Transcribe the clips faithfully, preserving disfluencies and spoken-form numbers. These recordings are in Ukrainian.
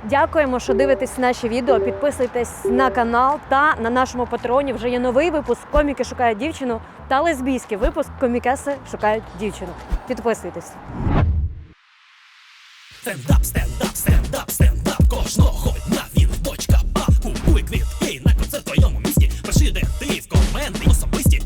Дякуємо, що дивитесь наші відео. Підписуйтесь на канал та на нашому патреоні вже є новий випуск «Коміки шукають дівчину» та лесбійський випуск «Комікеси шукають дівчину». Підписуйтесь. Стендап, стендап, стендап, стендап кожного дня він точка А. Купуй квітки на концерт в твоєму місті. Пиши, де ти в коменти особисті.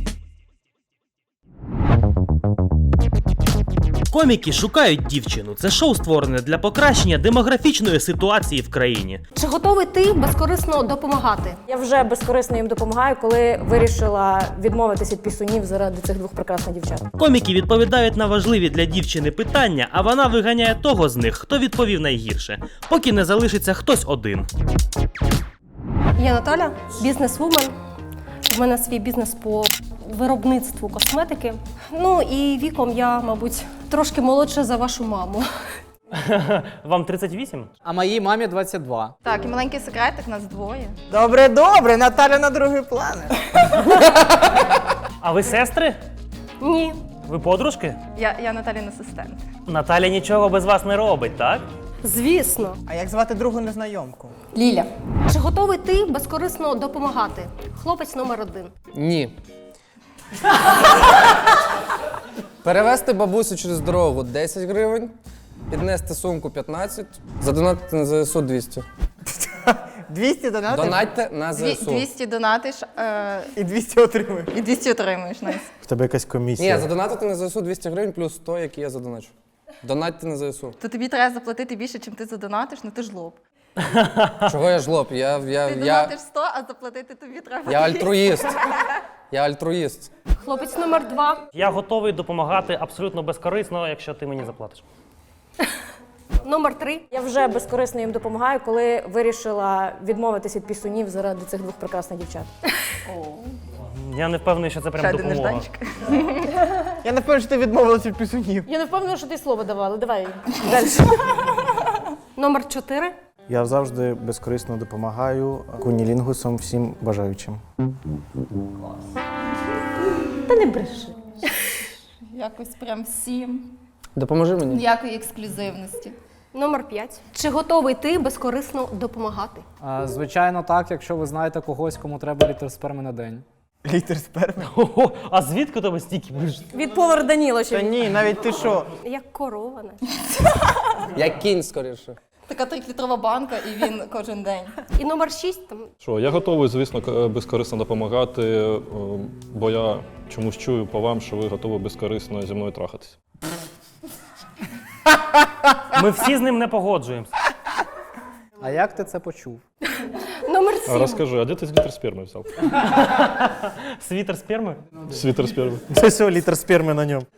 Коміки шукають дівчину. Це шоу створене для покращення демографічної ситуації в країні. Чи готовий ти безкорисно допомагати? Я вже безкорисно їм допомагаю, коли вирішила відмовитися від пісунів заради цих двох прекрасних дівчат. Коміки відповідають на важливі для дівчини питання, а вона виганяє того з них, хто відповів найгірше, поки не залишиться хтось один. Я Наталя, бізнес-вумен. У мене свій бізнес по виробництву косметики. Ну і віком я, мабуть, трошки молодша за вашу маму. Вам тридцять вісім? А моїй мамі двадцять два. Так, і маленький секретик, нас двоє. Добре, добре, Наталя на другий план. А ви сестри? Ні. Ви подружки? Я, я Наталін асистент. Наталя нічого без вас не робить, так? Звісно. А як звати другу незнайомку? Ліля. Чи готовий ти безкорисно допомагати? Хлопець номер один. Ні. Перевезти бабусю через дорогу десять гривень, піднести сумку п'ятнадцять, задонатити на ЗСУ двісті. двісті донатів Донатьте на Дві, ЗСУ. двісті донатиш е, і двісті отримуєш. і двісті отримуєш. Найс. В тебе якась комісія. Ні, задонатити на ЗСУ двісті гривень плюс сто, які я задоначу. Донатьте на ЗСУ. То тобі треба заплатити більше, чим ти задонатиш, ну ти ж лоб. Чого я жлоб? Я, я, Ти я, донатиш сто, а заплатити тобі треба. я альтруїст. Я альтруїст. Хлопець номер два. Я готовий допомагати абсолютно безкорисно, якщо ти мені заплатиш. Номер три. Я вже безкорисно їм допомагаю, коли вирішила відмовитися від пісунів заради цих двох прекрасних дівчат. Я не впевнений, що це Ще прям один допомога. нежданчик. Я не впевнений, що ти відмовилася від пісунів. Я не впевнена, що ти слово давала. Давай далі. Номер чотири. Я завжди безкорисно допомагаю кунілінгусам всім бажаючим. Та не бреши. Якось прям всім. Допоможи мені. Ніякої ексклюзивності. Номер п'ять. Чи готовий ти безкорисно допомагати? А, Звичайно, так, якщо ви знаєте когось, кому треба літр сперми на день. Літр сперми. Ого, а звідки у тебе стільки бриж? Від повара Даніло ще. Та ні, навіть ти що? Як корова. наче. Як кінь, скоріше. Така трьохлітрова банка, і він кожен день. І номер шість. Там Що, я готовий, звісно, к- безкорисно допомагати, е, бо я чомусь чую по вам, що ви готові безкорисно зі мною трахатись. Ми всі з ним не погоджуємося. А як ти це почув? номер А сім. розкажи, а де ти літр сперми взяв? Світер сперми? Світер сперми. Це все, літр сперми на ньому.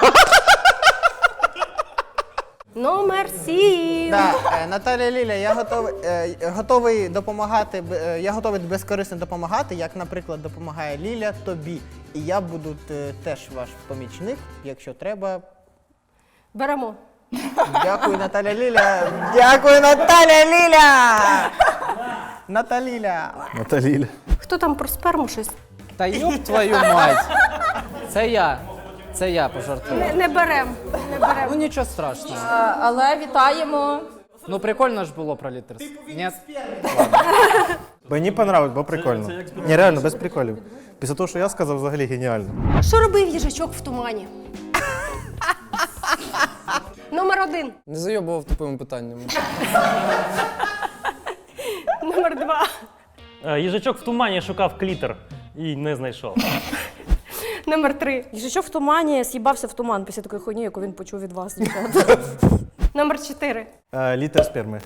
Номер сім. Да, е, Наталя Ліля, я готовий, е, готовий допомагати, б- е, я готовий безкорисно допомагати, як, наприклад, допомагає Ліля тобі. І я буду е, теж ваш помічник, якщо треба. Беремо. Дякую, Наталя Ліля. Дякую, Наталя Ліля. Наталіля. Наталіля. Хто там про сперму щось? Та йоп твою мать! Це я. Це я пожартував. Не, не берем. Не берем. Ну нічого страшного. А, але вітаємо. Ну прикольно ж було про літр. Ні? Мені понравилось, бо прикольно. Ні, реально, без приколів. Після того, що я сказав, взагалі геніально. Що робив їжачок в тумані? Номер один. Не зайобував тупими питаннями. Номер два. Е, Їжачок в тумані шукав клітер і не знайшов. Номер три. Їжачок в тумані з'їбався в туман після такої хуйні, яку він почув від вас, дівчата. Номер чотири. Е, літр сперми.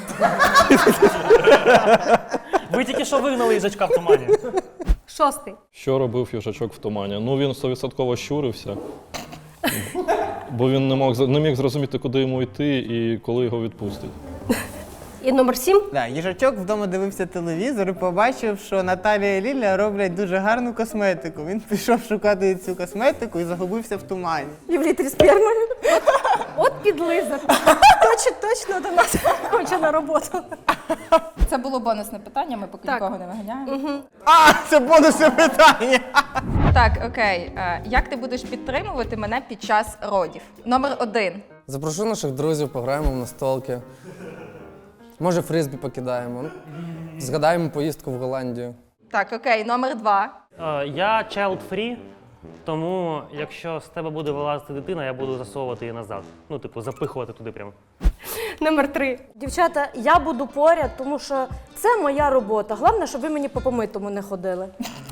Ви тільки що вигнали їжачка в тумані. Шостий. Що робив їжачок в тумані? Ну, він сто відсотків щурився, бо він не мог, не міг зрозуміти, куди йому йти і коли його відпустять. І номер сім. Да, їжачок вдома дивився телевізор і побачив, що Наталія і Ліля роблять дуже гарну косметику. Він пішов шукати цю косметику і загубився в тумані. І в літрі сперми. От підлиза. Точно, точно до нас хоче на роботу. Це було бонусне питання, ми поки Так. нікого не виганяємо. А, це бонусне питання! Так, окей. Е, Як ти будеш підтримувати мене під час родів? Номер один. Запрошу наших друзів, пограємо в настолки. Може, фризбі покидаємо. Згадаємо поїздку в Голландію. Так, окей, номер два. Е, Я child free, тому якщо з тебе буде вилазити дитина, я буду засовувати її назад. Ну, типу, запихувати туди прямо. Номер три. Дівчата, я буду поряд, тому що це моя робота. Головне, щоб ви мені по помитому не ходили.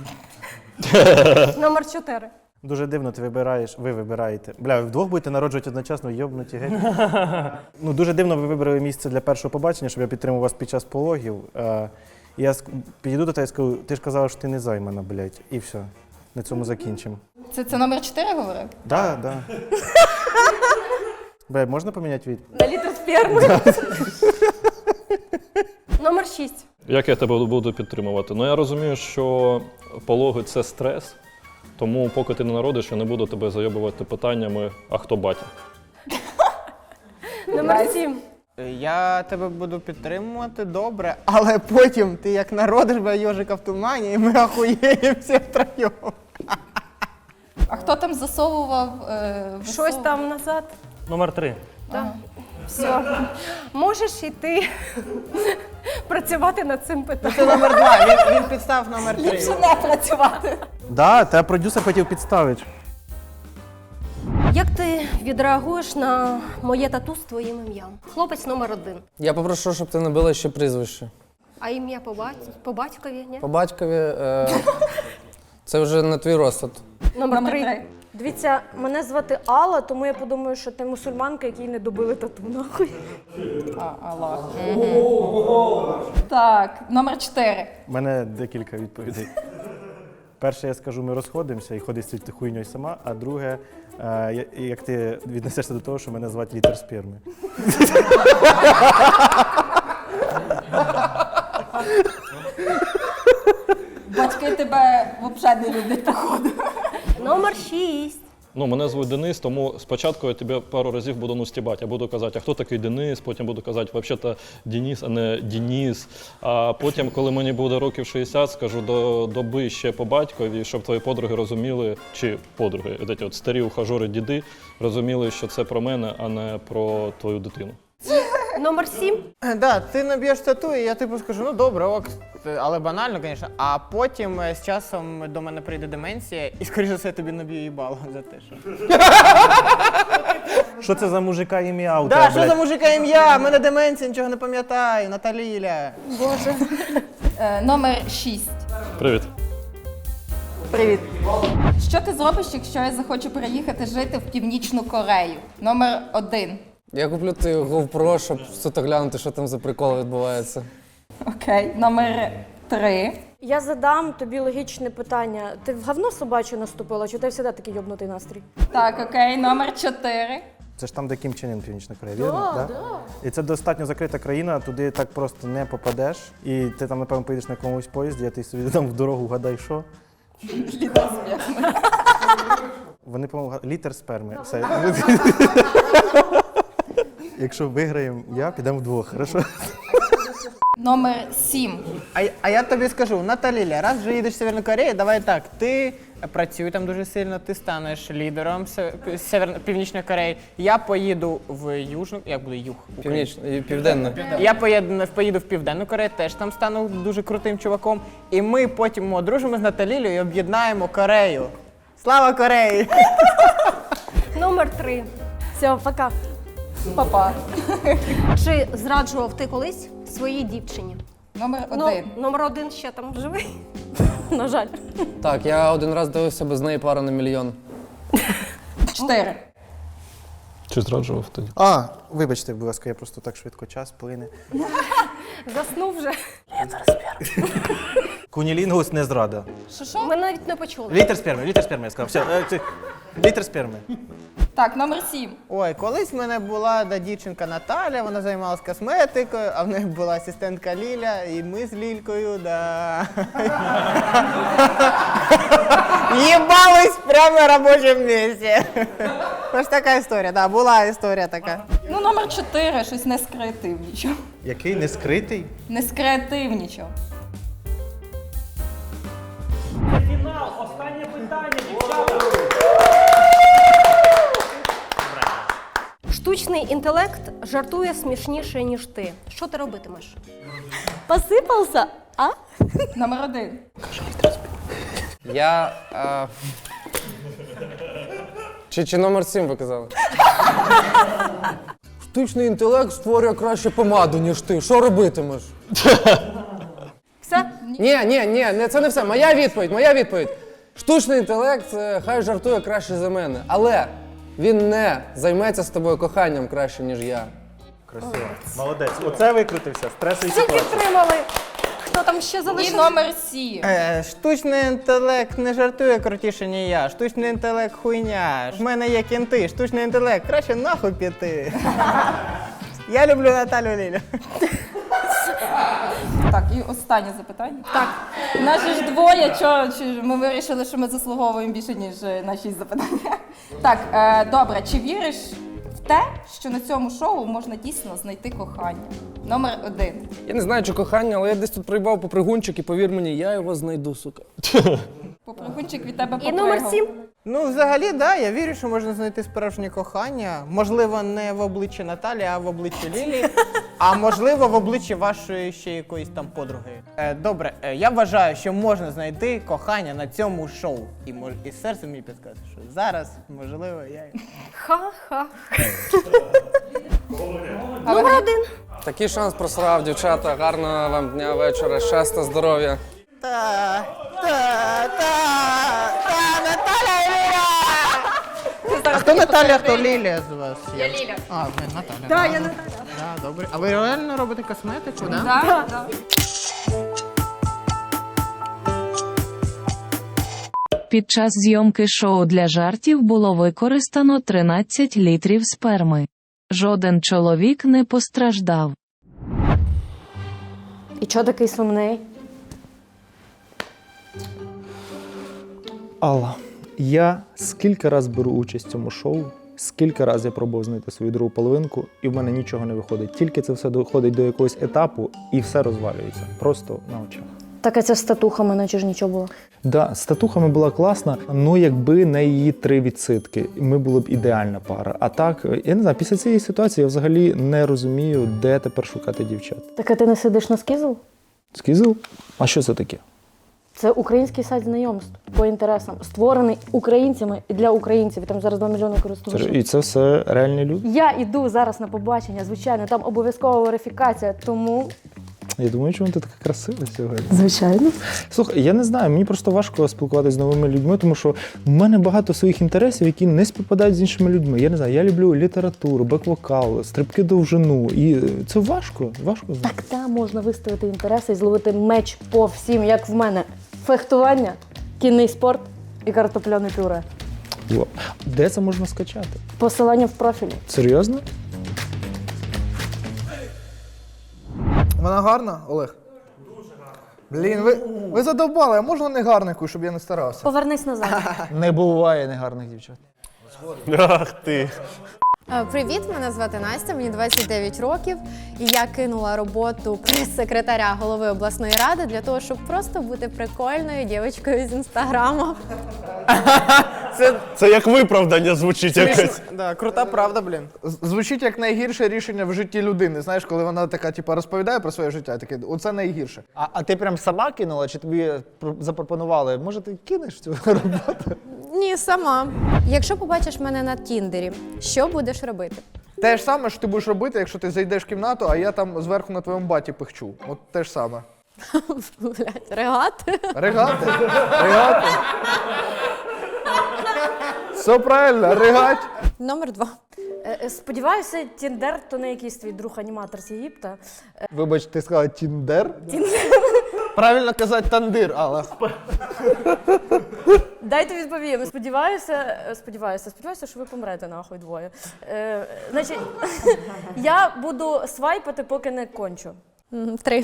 Номер чотири. Дуже дивно, ти вибираєш, ви вибираєте. Бля, ви вдвох будете народжувати одночасно, йобнуті геть. Ну, дуже дивно ви вибрали місце для першого побачення, щоб я підтримав вас під час пологів. Е, Я ск- підійду до тебе і скажу, ти ж казала, що ти не займана, блядь. І все. На цьому закінчимо. Це, це номер чотири говорив? Да, да. Бля, можна поміняти від? На літр сперми. Номер шість. Як я тебе буду підтримувати? Ну я розумію, що пологи це стрес, тому поки ти не народиш, я не буду тебе зайобувати питаннями, а хто батя? Номер сім. Я тебе буду підтримувати добре, але потім ти як народиш бля, йожика в тумані, і ми ахуєємо всі втроєм. А хто там засовував? Е, Щось висовував? там назад. Номер три. Все. Можеш іти працювати над цим Це питанням. номер два, він, він підстав номер три. Ліпше не працювати. Да, тебе продюсер хотів підставити. Як ти відреагуєш на моє тату з твоїм ім'ям? Хлопець номер один. Я попрошу, щоб ти набила ще прізвище. А ім'я по, бать... по батькові? Ні? По батькові е... це вже на твій розсуд. Номер, Номер три. три. Дивіться, мене звати Алла, тому я подумаю, що ти мусульманка, якій не добили тату, нахуй. А, Аллах. Мгм. Так, номер чотири. У мене декілька відповідей. Перше, я скажу, ми розходимося і ходиш з цією хуйньою сама, а друге, е, я- як ти віднесешся до того, що мене звати літер сперми. Батьки тебе взагалі не люблять, походу. Номер шість. Ну, мене звуть Денис, тому спочатку я тебе пару разів буду ну стібати. Я буду казати, а хто такий Денис, потім буду казати, взагалі-то Денис, а не Денис. А потім, коли мені буде років шістдесят, скажу до доби ще по батькові, щоб твої подруги розуміли, чи подруги, от, от старі ухажори, діди, розуміли, що це про мене, а не про твою дитину. Номер сім. Да, ти наб'єш тату, і я типу скажу, ну добре, ок, але банально, звісно. А потім е, з часом до мене прийде деменція, і скоріше за все тобі наб'ю їбало за те, що. Що це за мужика ім'я у Да, тебе, що за блядь? мужика ім'я? В мене деменція, нічого не пам'ятаю, Наталіля. Боже. Е, номер шість. Привіт. Привіт. Що ти зробиш, якщо я захочу переїхати жити в Північну Корею? Номер один. Я куплю ти GoPro, щоб суто глянути, що там за прикол відбувається. Окей. Номер три. Я задам тобі логічне питання. Ти в говно собаче наступила, чи ти завжди такий йобнутий настрій? Так, окей. Номер чотири. Це ж там, де Кім Чен Ін, Північна Корея, вірно? Да, да. І це достатньо закрита країна, туди так просто не попадеш. І ти там, напевно, поїдеш на якомусь поїзді, а ти собі там в дорогу гадай, що. Вони, по-моєму, га- літер сперми. Все. Якщо виграємо я, підемо вдвох, хорошо? Номер сім. А, а я тобі скажу, Наталіля, раз вже їдеш в Северну Корею, давай так, ти працюй там дуже сильно, ти станеш лідером Се- Северно- Північної Кореї. Я поїду в Южну, як буде Юг? Північно і південно. Я поїду, поїду в Південну Корею, теж там стану дуже крутим чуваком. І ми потім одружимо з Наталілею і об'єднаємо Корею. Слава Кореї! Номер три. Все, пока. Папа. Чи зраджував ти колись своїй дівчині? Номер Ну, один. номер один ще там живий. На жаль. Так, я один раз дивився без неї пару на мільйон. Чотири. Чи зраджував тоді? А, вибачте, будь ласка, я просто так швидко час плине. Заснув вже. Кунілінгус не зрада. Що що? Ми навіть не почули. Літер сперми, літер сперми, я сказав. Все, е, це- літер сперми. Так, номер сім. Ой, колись в мене була да, дівчинка Наталя, вона займалась косметикою, а в неї була асистентка Ліля, і ми з Лількою, да. Їбались прямо на робочому місці. Ось така історія, да, була історія така. Ну, номер чотири. Щось не скреативнічав. Який не скритий? Не скреативнічав. Це фінал, останнє питання, дівчата. Штучний інтелект жартує смішніше, ніж ти. Що ти робитимеш? Посипався, а? Номер один. Я. А... Чи, чи номер сім ви казали? Штучний інтелект створює краще помаду, ніж ти. Що робитимеш? Все? Ні, ні, ні, не, це не все. Моя відповідь, моя відповідь. Штучний інтелект е, хай жартує краще за мене, але він не займеться з тобою коханням краще, ніж я. Красиво. Молодець. Оце викрутився. Стресові Всі ситуації. підтримали. Хто там ще І залишився? номер сім. Е, штучний інтелект не жартує крутіше, ніж я. Штучний інтелект хуйня. В мене є кінти. Штучний інтелект краще нахуй піти. Я люблю Наталю Лілю. Так, і останнє запитання. Так. Нас же ж двоє, чо, чи ми вирішили, що ми заслуговуємо більше, ніж е, на шість запитань. Так, е, добре, чи віриш в те, що на цьому шоу можна дійсно знайти кохання? Номер один. Я не знаю, чи кохання, але я десь тут приїбав попригунчик і повір мені, я його знайду, сука. Попригунчик від тебе І попригав. номер сім. Ну, взагалі, да, я вірю, що можна знайти справжнє кохання. Можливо, не в обличчі Наталі, а в обличчі Лілі. А можливо, в обличчі вашої ще якоїсь там подруги. Е, добре, е, я вважаю, що можна знайти кохання на цьому шоу. І, мож, і серце мені підказує, що зараз, можливо, я... Ха-ха. Номер один. Такий шанс просрав, дівчата. Гарного вам дня, вечора, щастя, здоров'я. Та, та, та, та, Наталя і Ліля! А хто Наталя, хто Лілія з вас? Я Ліля. А, ви Наталя. Да, да. я Наталя. Да, добре. А ви реально робите косметику, да? Да, да. Під час зйомки шоу для жартів було використано тринадцять літрів сперми. Жоден чоловік не постраждав. І чого такий сумний? Алла, я скільки раз беру участь в цьому шоу, скільки раз я пробував знайти свою другу половинку, і в мене нічого не виходить. Тільки це все доходить до якогось етапу, і все розвалюється. Просто на очах. Так а це з татухами, наче ж нічого було. Да, з татухами була класна, ну якби не її три відситки, ми були б ідеальна пара. А так, я не знаю, після цієї ситуації я взагалі не розумію, де тепер шукати дівчат. Так а ти не сидиш на скізл? Скізл? А що це таке? Це український сайт знайомств по інтересам, створений українцями і для українців. І там зараз два мільйони користувачів. І це все реальні люди? Я іду зараз на побачення, звичайно, там обов'язкова верифікація, тому... Я думаю, чому ти така красива сьогодні? Звичайно. Слухай, я не знаю, мені просто важко спілкуватися з новими людьми, тому що в мене багато своїх інтересів, які не співпадають з іншими людьми. Я не знаю, я люблю літературу, бек-вокал, стрибки довжину. І це важко, важко знати. Так там можна виставити інтереси і зловити меч по всім, як в мене. Фехтування, кінний спорт і картопляне пюре. О, де це можна скачати? Посилання в профілі. Серйозно? Вона гарна, Олег? Дуже гарна. Блін, ви, ви задовбали, а можна не гарнику, щоб я не старався? Повернись назад. Не буває негарних дівчат. Ах ти. Привіт, мене звати Настя, мені двадцять дев'ять років, і я кинула роботу прес-секретаря голови обласної ради для того, щоб просто бути прикольною дівчинкою з інстаграму. Це, Це як виправдання звучить якось. да, крута правда, блін. З- Звучить як найгірше рішення в житті людини. Знаєш, коли вона така, типу, розповідає про своє життя, таке, оце найгірше. А, а ти прям сама кинула, чи тобі пр- запропонували? Може, ти кинеш цю роботу? Ні, сама. Якщо побачиш мене на Тіндері, що будеш робити? Те ж саме, що ти будеш робити, якщо ти зайдеш в кімнату, а я там зверху на твоєму баті пихчу. От те ж саме. Блять, регати? Ригати? Ригати? Все правильно, ригать. Номер два. Е, е, Сподіваюся, Тіндер то не якийсь твій друг-аніматор з Єгипта. Е, Вибач, ти сказала Тіндер? Правильно казати тандир, але. Дайте відповім. Сподіваюся, е, сподіваюся, сподіваюся, що ви помрете нахуй двоє. Е, значить, я буду свайпати, поки не кончу. М, Три.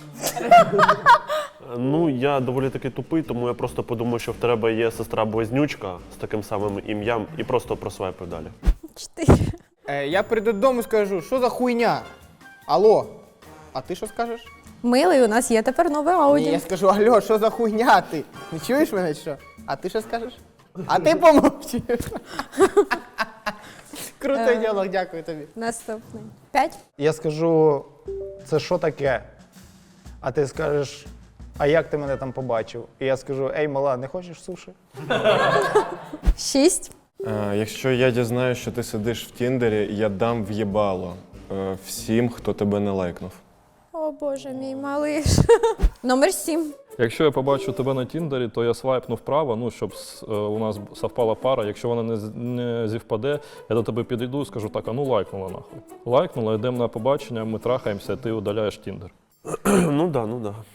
Ну, я доволі таки тупий, тому я просто подумав, що в тебе є сестра-близнючка з таким самим ім'ям і просто просвайпив далі. Чотири. Е, я прийду додому і скажу, що за хуйня? Алло, а ти що скажеш? Милий, у нас є тепер нове Ні, ауді. я скажу, алло, що за хуйня ти? Не чуєш мене чи що? А ти що скажеш? А ти помовчиш. Крутий Е. діалог, дякую тобі. Наступний. П'ять. Я скажу, це що таке? А ти скажеш, а як ти мене там побачив? І я скажу, ей, мала, не хочеш суші? Шість. Е, якщо я дізнаюсь, що ти сидиш в Тіндері, я дам в'єбало е, всім, хто тебе не лайкнув. О боже мій малиш. Номер сім. Якщо я побачу тебе на Тіндері, то я свайпну вправо, ну, щоб с- е, у нас совпала пара. Якщо вона не, з- не зівпаде, я до тебе підійду і скажу, так, а ну лайкнула нахуй. Лайкнула, йдемо на побачення, ми трахаємося, ти удаляєш Тіндер. Ну да, ну да.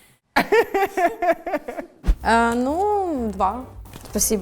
Е, ну, два. Спасибо.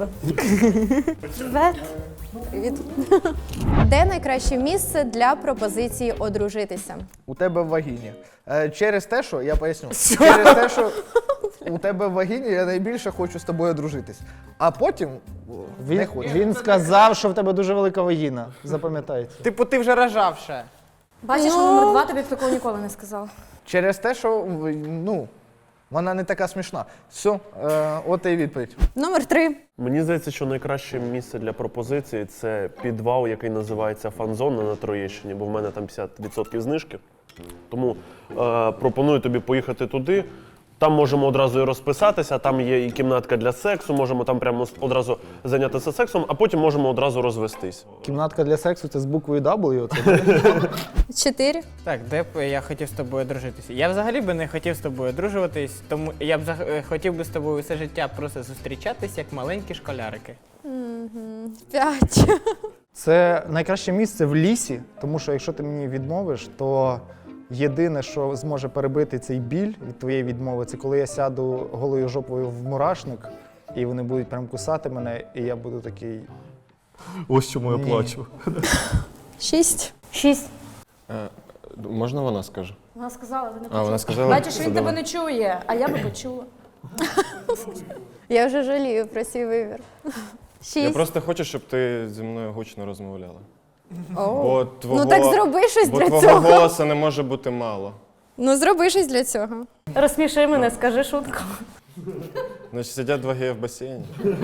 Привіт. Де найкраще місце для пропозиції одружитися? У тебе в вагіні. Е, через те, що, я поясню, через те, що у тебе в вагіні я найбільше хочу з тобою одружитись. А потім о, Він, не хочу. він сказав, що в тебе дуже велика вагіна. Запам'ятайте. Типу, ти вже рожав ще. Бачиш, що номер два тобі б такого ніколи не сказав. Через те, що в- ну, вона не така смішна. Все, е, от і відповідь. Номер три. Мені здається, що найкраще місце для пропозиції це підвал, який називається Фан-зона на Троєщині, бо в мене там п'ятдесят відсотків знижки. Тому е, пропоную тобі поїхати туди. Там можемо одразу і розписатися, там є і кімнатка для сексу, можемо там прямо одразу зайнятися сексом, а потім можемо одразу розвестись. Кімнатка для сексу це з буквою W. Це Чотири. Так, де б я хотів з тобою одружитися? Я взагалі би не хотів з тобою одружуватись, тому я б зах- е, хотів би з тобою все життя просто зустрічатись як маленькі школярики. Мгм. П'ять. Це найкраще місце в лісі, тому що якщо ти мені відмовиш, то єдине, що зможе перебити цей біль від твоєї відмови, це коли я сяду голою жопою в мурашник, і вони будуть прям кусати мене, і я буду такий. Ось чому я Ні. плачу. Шість. Шість. Е, можна вона скаже? Вона сказала, ти не А, почула. вона сказала? Бачиш, він Це тебе давай. не чує, а я би почула. Я вже жалію про свій вибір. Шість. Я просто хочу, щоб ти зі мною гучно розмовляла. О. Бо твого, Ну так зроби щось бо для твого цього. голосу не може бути мало. Ну зроби щось для цього. Розсміши мене, скажи шутку. Значить, сидять два геї в басейні.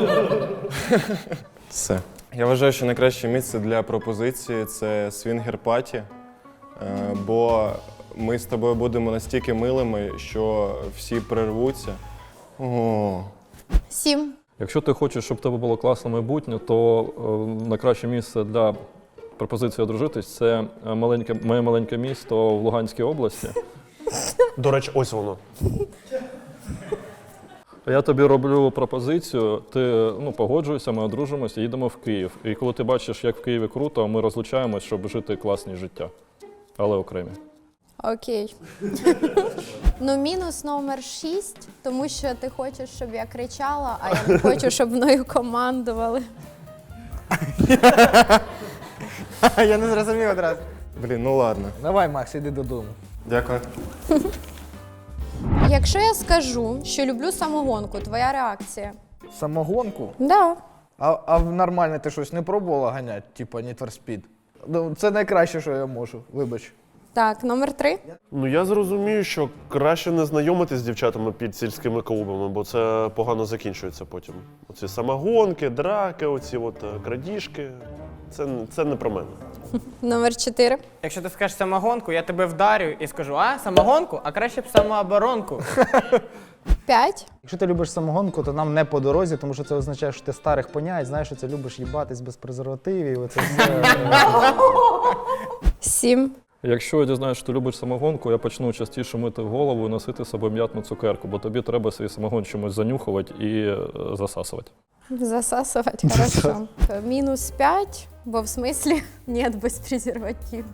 Все. Я вважаю, що найкраще місце для пропозиції це свінгер-паті, е, бо ми з тобою будемо настільки милими, що всі прирвуться. О. Сім. Якщо ти хочеш, щоб в тебе було класне майбутнє, то е, найкраще місце для пропозиції одружитись це е, маленьке, моє маленьке місто в Луганській області. До речі, ось воно. Я тобі роблю пропозицію, ти ну, погоджуєшся, ми одружимося, їдемо в Київ. І коли ти бачиш, як в Києві круто, ми розлучаємось, щоб жити класне життя, але окремі. Окей. Ну, мінус номер шість, тому що ти хочеш, щоб я кричала, а я не хочу, щоб мною командували. Я не зрозумів одразу. Блін, ну ладно. Давай, Макс, іди додому. Дякую. Якщо я скажу, що люблю самогонку, твоя реакція? Самогонку? Да. А, а в нормальне ти щось не пробувала ганяти, типу Need for Speed? Ну, це найкраще, що я можу, вибач. Так, номер три. Ну я зрозумію, що краще не знайомитись з дівчатами під сільськими клубами, бо це погано закінчується потім. Оці самогонки, драки, оці от е, крадіжки. Це, це не про мене. Номер чотири. Якщо ти скажеш самогонку, я тебе вдарю і скажу, а, самогонку? А краще б самооборонку. П'ять. Якщо ти любиш самогонку, то нам не по дорозі, тому що це означає, що ти старих понять, знаєш, що це любиш їбатись без презервативів. Оце все. Сім. Якщо я дізнаюся, що ти любиш самогонку, я почну частіше мити голову і носити з собою м'ятну цукерку, бо тобі треба свій самогон чимось занюхувати і е, засасувати. Засасувати, хорошо. Мінус п'ять, бо в смислі нет без презерватив.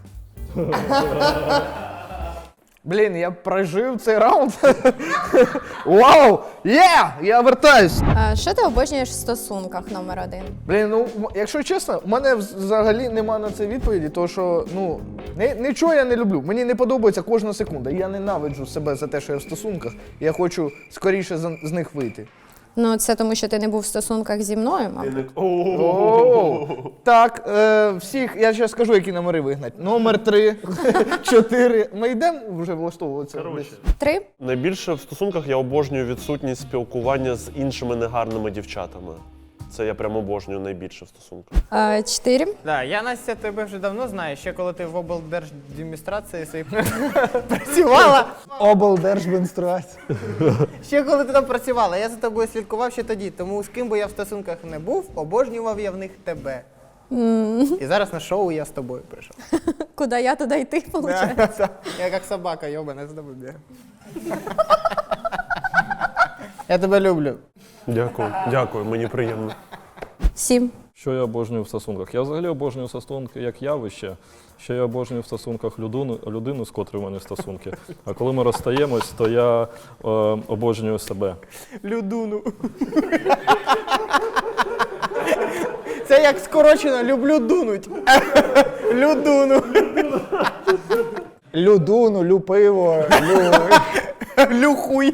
Блін, я прожив цей раунд. Вау! Є! Я вертаюсь! А, що ти обожнюєш в стосунках номер один? Блін, ну м- якщо чесно, у мене взагалі нема на це відповіді, тому що ну ни- нічого я не люблю. Мені не подобається кожна секунда. Я ненавиджу себе за те, що я в стосунках. Я хочу скоріше з, з них вийти. Ну, це тому, що ти не був в стосунках зі мною, мабуть. О, так, е, всіх, я зараз скажу, які номери вигнать. Номер три, чотири. Ми йдемо вже влаштовуватися. Три. Найбільше в стосунках я обожнюю відсутність спілкування з іншими негарними дівчатами. Це я прям обожнюю найбільше в стосунках. Е, Чотири. Да, я, Настя, тебе вже давно знаю, ще коли ти в облдержадміністрації своїй працювала. Облдержадміністрація. Ще коли ти там працювала, я за тобою слідкував ще тоді, тому з ким би я в стосунках не був, обожнював я в них тебе. І зараз на шоу я з тобою прийшов. Куди я, туди й ти, виходить? Я як собака, йобана, з тобою бігаю. Я тебе люблю. Дякую, дякую, мені приємно. Сім. Що я обожнюю в стосунках? Я взагалі обожнюю стосунки як явище. Ще я обожнюю в стосунках людину, людину, з котрою в мене стосунки. А коли ми розстаємось, то я е, обожнюю себе. Людуну. Це як скорочено люблю дунуть. Людуну. Людуну, люпиво, лю... Люхуй.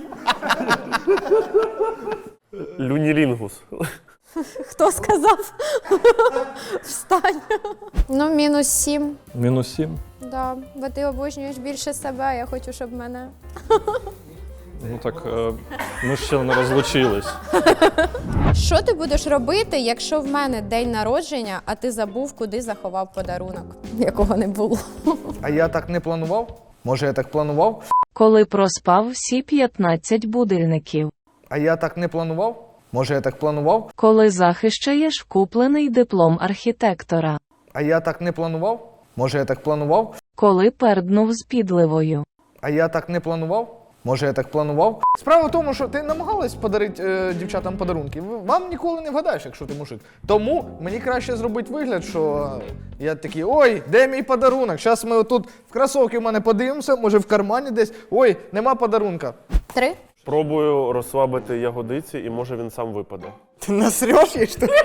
Люнілінгус. Хто сказав? Встань. Ну, мінус сім. Мінус сім? Да, бо ти обожнюєш більше себе, а я хочу, щоб мене. Ну так, е, ми ж ще не розлучились. Що ти будеш робити, якщо в мене день народження, а ти забув, куди заховав подарунок, якого не було? А я так не планував? Може, я так планував? Коли проспав всі п'ятнадцять будильників. А я так не планував? Може, я так планував? Коли захищаєш куплений диплом архітектора. А я так не планував? Може, я так планував? Коли перднув з підливою. А я так не планував? Може, я так планував? Справа в тому, що ти намагалась подарити е, дівчатам подарунки. Вам ніколи не вгадаєш, якщо ти мужик. Тому мені краще зробити вигляд, що я такий, ой, де мій подарунок? Зараз ми отут в кросовки в мене подивимося, може в кармані десь. Ой, нема подарунка. Три. Пробую розслабити ягодиці, і може він сам випаде. Ти насреш їй, що ли?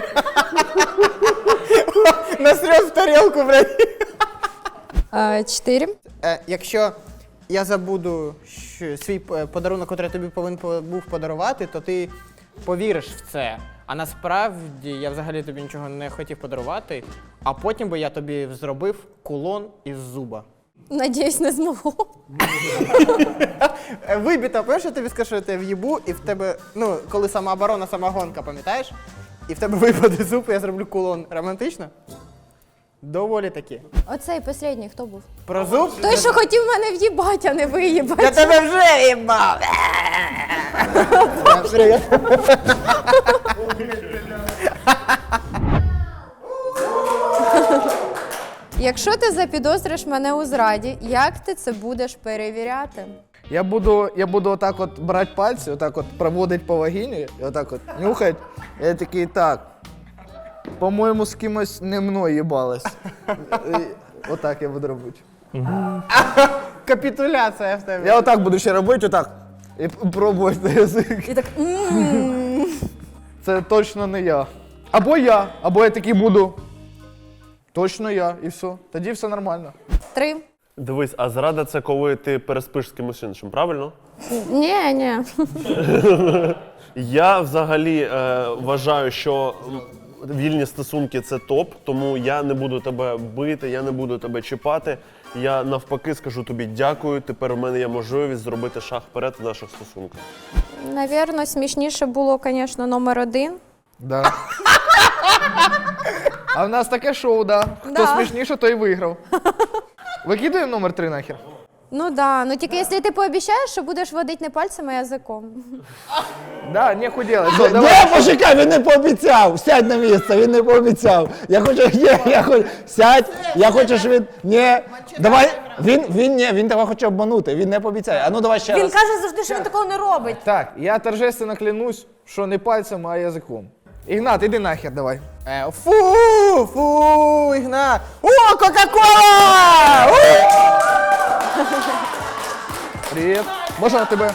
Насреш в тарілку, блядь. Е, Чотири. Е, якщо я забуду що, свій е, подарунок, який я тобі повинен по- був подарувати, то ти повіриш в це. А насправді я взагалі тобі нічого не хотів подарувати, а потім би я тобі зробив кулон із зуба. Надіюсь, не змогу. Е, Вибіта, пам'ятаєш, я тобі скажу, що я тебе в'їбу, і в тебе, ну, коли самооборона, самогонка, пам'ятаєш? І в тебе випаде зуб, і я зроблю кулон. Романтично? Доволі таки. Оцей останній хто був? Про зуб? Той, що хотів мене в'їбать, а не виїбать. Я тебе вже їбав! Якщо ти запідозриш мене у зраді, як ти це будеш перевіряти? Я буду, я буду отак от брати пальці, отак от проводити по вагіні, і отак от нюхати. Я такий, так, по-моєму, з кимось не мною їбалась. І Отак я буду робити. Капітуляція в тебе. Я отак буду ще робити, отак. І п- пробувати на язик. І так «М-м-м». Це точно не я. Або я, або я такий буду. Точно я, і все. Тоді все нормально. Три. Дивись, а зрада це коли ти переспиш з кимось іншим, правильно? Ні, ні. Я взагалі е, вважаю, що вільні стосунки це топ, тому я не буду тебе бити, я не буду тебе чіпати. Я навпаки скажу тобі дякую, тепер у мене є можливість зробити шаг вперед в наших стосунках. Навірно, смішніше було, звісно, номер один. Да. А в нас таке шоу, да. Хто Да. смішніше, той виграв. Викидаємо номер три нахер. Ну да, ну тільки якщо ти пообіцяєш, що будеш водити не пальцем, а язиком. Да, не худіли. Де мужика, він не пообіцяв. Сядь на місце, він не пообіцяв. Я хочу, ні, я хочу, сядь, я хочу, щоб він, ні, давай, він, він, ні, він тебе хоче обманути, він не пообіцяє. А ну давай ще Він раз. каже завжди, що він такого не робить. Так, я торжественно клянусь, що не пальцем, а язиком. Ігнат, іди нахер, давай. Е, фу, фу, Ігнат. О, Кока-Кола! Привіт. Можна тебе?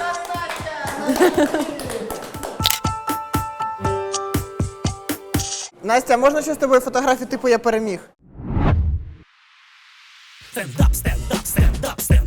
Настя, можна ще з тобою фотографію, типу я переміг? Стендап, стендап, стендап, стендап.